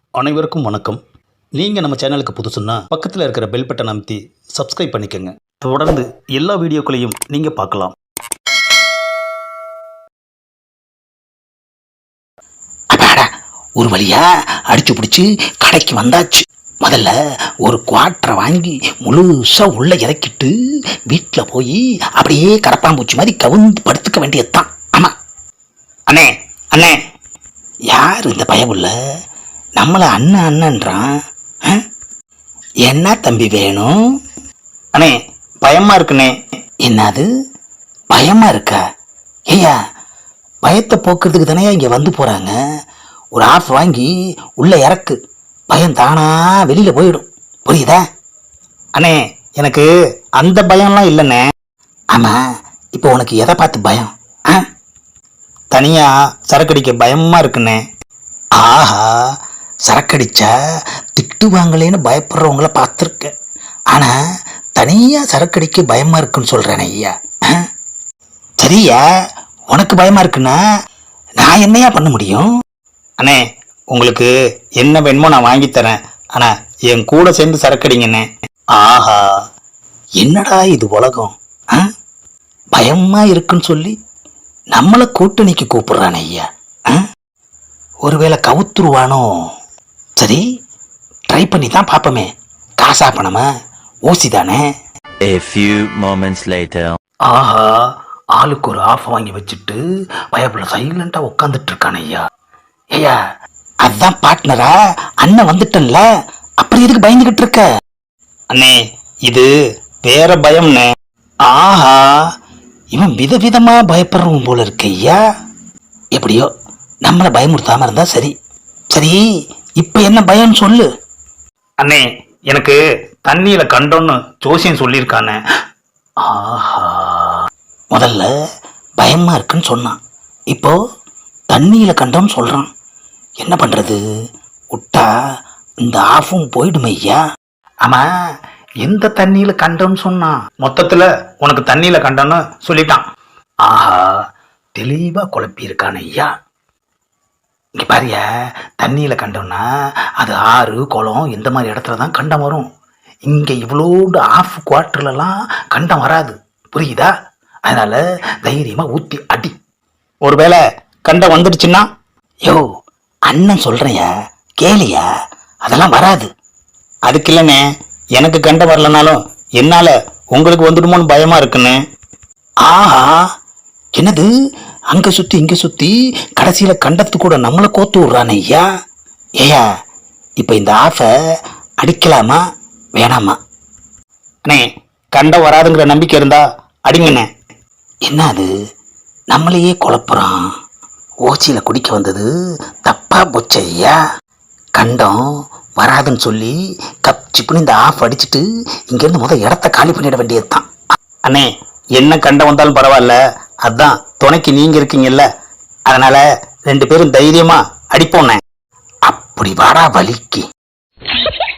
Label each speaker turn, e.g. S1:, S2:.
S1: அனைவருக்கும் வணக்கம். நீங்கள் நம்ம சேனலுக்கு புதுசுன்னா பக்கத்தில் இருக்கிற பெல் பட்டன் அமைத்தி சப்ஸ்கிரைப் பண்ணிக்கோங்க. தொடர்ந்து எல்லா வீடியோக்களையும் நீங்கள் பார்க்கலாம்.
S2: அப்பாடா, ஒரு வழியா அடிச்சு பிடிச்சி கடைக்கு வந்தாச்சு. முதல்ல ஒரு குவாட்டரை வாங்கி முழுசா உள்ள இறக்கிட்டு வீட்டில் போய் அப்படியே கரப்பாம்பூச்சி மாதிரி கவுந்து படுத்துக்க வேண்டியதுதான். ஆமா அண்ணே, அண்ணே, யார் இந்த பயமுள்ள நம்மளை அண்ணன் அண்ணன்றான்? என்ன தம்பி வேணும்?
S1: அண்ணே, பயமாக இருக்குண்ணே.
S2: என்னது பயமா இருக்கா? ஐயா, பயத்தை போக்குறதுக்கு தானே இங்கே வந்து போகிறாங்க. ஒரு ஆஃப் வாங்கி உள்ளே இறக்கு, பயம் தானா வெளியில் போயிடும். புரியுதா?
S1: அண்ணே, எனக்கு அந்த பயம்லாம் இல்லைண்ணே.
S2: ஆமாம், இப்போ உனக்கு எதை பார்த்து பயம்?
S1: தனியாக சரக்கடிக்க பயமாக இருக்குண்ணே.
S2: ஆஹா, சரக்கடிச்சா திட்டுவாங்களேன்னு பயப்படுறவங்கள பார்த்துருக்கேன். ஆனால் தனியாக சரக்கடிக்க பயமாக இருக்குன்னு சொல்கிறேன் ஐயா. சரியா, உனக்கு பயமாக இருக்குன்னா நான் என்னையா பண்ண முடியும்?
S1: அண்ணே, உங்களுக்கு என்ன வேணுமோ நான் வாங்கித்தரேன். ஆனால் என் கூட சேர்ந்து சரக்கடிங்கண்ணே.
S2: ஆஹா, என்னடா இது உலகம்! பயமாக இருக்குன்னு சொல்லி நம்மளை கூட்டணிக்கு கூப்பிடுறானே ஐயா. ஒருவேளை கவுத்துருவானோ? சரி, ட்ரை பண்ணி தான் பார்ப்போமே. காசா பணமா ஊசி தானே?
S3: A few moments later.
S2: ஆஹா, ஆளுக்கு ஒரு ஆஃப் வாங்கி வச்சுட்டு பயப்புல சைலண்டா உட்காந்துட்டு இருக்கானே ஐயா. ஐயா, அதுதான் பார்ட்னரா? அண்ணன் வந்துட்டன்ல, அப்புறம் எதுக்கு பயந்துகிட்டு இருக்க?
S1: அண்ணே, இது வேற பயம்ண்ணே.
S2: ஆஹா, இவன் விதவிதமா பயப்படுறவன் போல இருக்கு ஐயா. எப்படியோ நம்மளை பயமுறுத்தாம இருந்தா சரி. சரி, இப்ப என்ன பயம் சொல்லு.
S1: அண்ணே, எனக்கு தண்ணியில கண்டோன்னு ஜோசியம் சொல்லியிருக்கானே.
S2: ஆஹா, முதல்ல பயமா இருக்குன்னு சொன்னான், இப்போ தண்ணியில கண்டோன்னு சொல்றான். என்ன பண்றது? விட்டா இந்த ஆஃபும் போயிடுமே ஐயா.
S1: ஆமா, எந்த தண்ணியில கண்டோன்னு சொன்னான்? மொத்தத்துல உனக்கு தண்ணியில கண்டோன்னு சொல்லிட்டான்.
S2: ஆஹா, தெளிவா குழப்பி இருக்கான ஐயா. இங்க பாரியா, தண்ணியில கண்டோம்னா அது ஆறு குளம் இந்த மாதிரி இடத்துல தான் கண்டம் வரும். இங்க இவ்வளோடு ஆஃப் குவார்டர்லாம் கண்டம் வராது. புரியுதா? அதனால தைரியமா ஊத்தி அடி.
S1: ஒருவேளை கண்டம் வந்துடுச்சுன்னா?
S2: யோ, அண்ணன் சொல்றையா, கேளியா, அதெல்லாம் வராது.
S1: அதுக்கு இல்லைண்ணே, எனக்கு கண்டம் வரலனாலும் என்னால உங்களுக்கு வந்துடுமோன்னு பயமா இருக்குன்னு.
S2: ஆஹா, என்னது அங்க சுத்தி இங்க சுத்தி கடைசியில கண்டத்து கூட நம்மளை கோத்து விடுறானே ஐயா. ஏயா, இப்ப இந்த ஆஃபை அடிக்கலாமா வேணாமா?
S1: அண்ணே, கண்டம் வராதுங்கிற நம்பிக்கை இருந்தா அடிங்கண்ணே.
S2: என்ன அது, நம்மளையே குழப்புறான். ஓச்சியில குடிக்க வந்தது தப்பா போச்சு ஐயா. கண்டம் வராதுன்னு சொல்லி கப் சிப்புன்னு இந்த ஆஃப் அடிச்சுட்டு இங்கேருந்து முதல் இடத்த காலி பண்ணிட வேண்டியது தான்.
S1: அண்ணே, என்ன கண்டம் வந்தாலும் பரவாயில்ல, அதான் துணைக்கு நீங்க இருக்கீங்கல்ல, அதனால 2 பேரும் தைரியமா அடிப்போண்ணே.
S2: அப்படி வாடா வலிக்கு.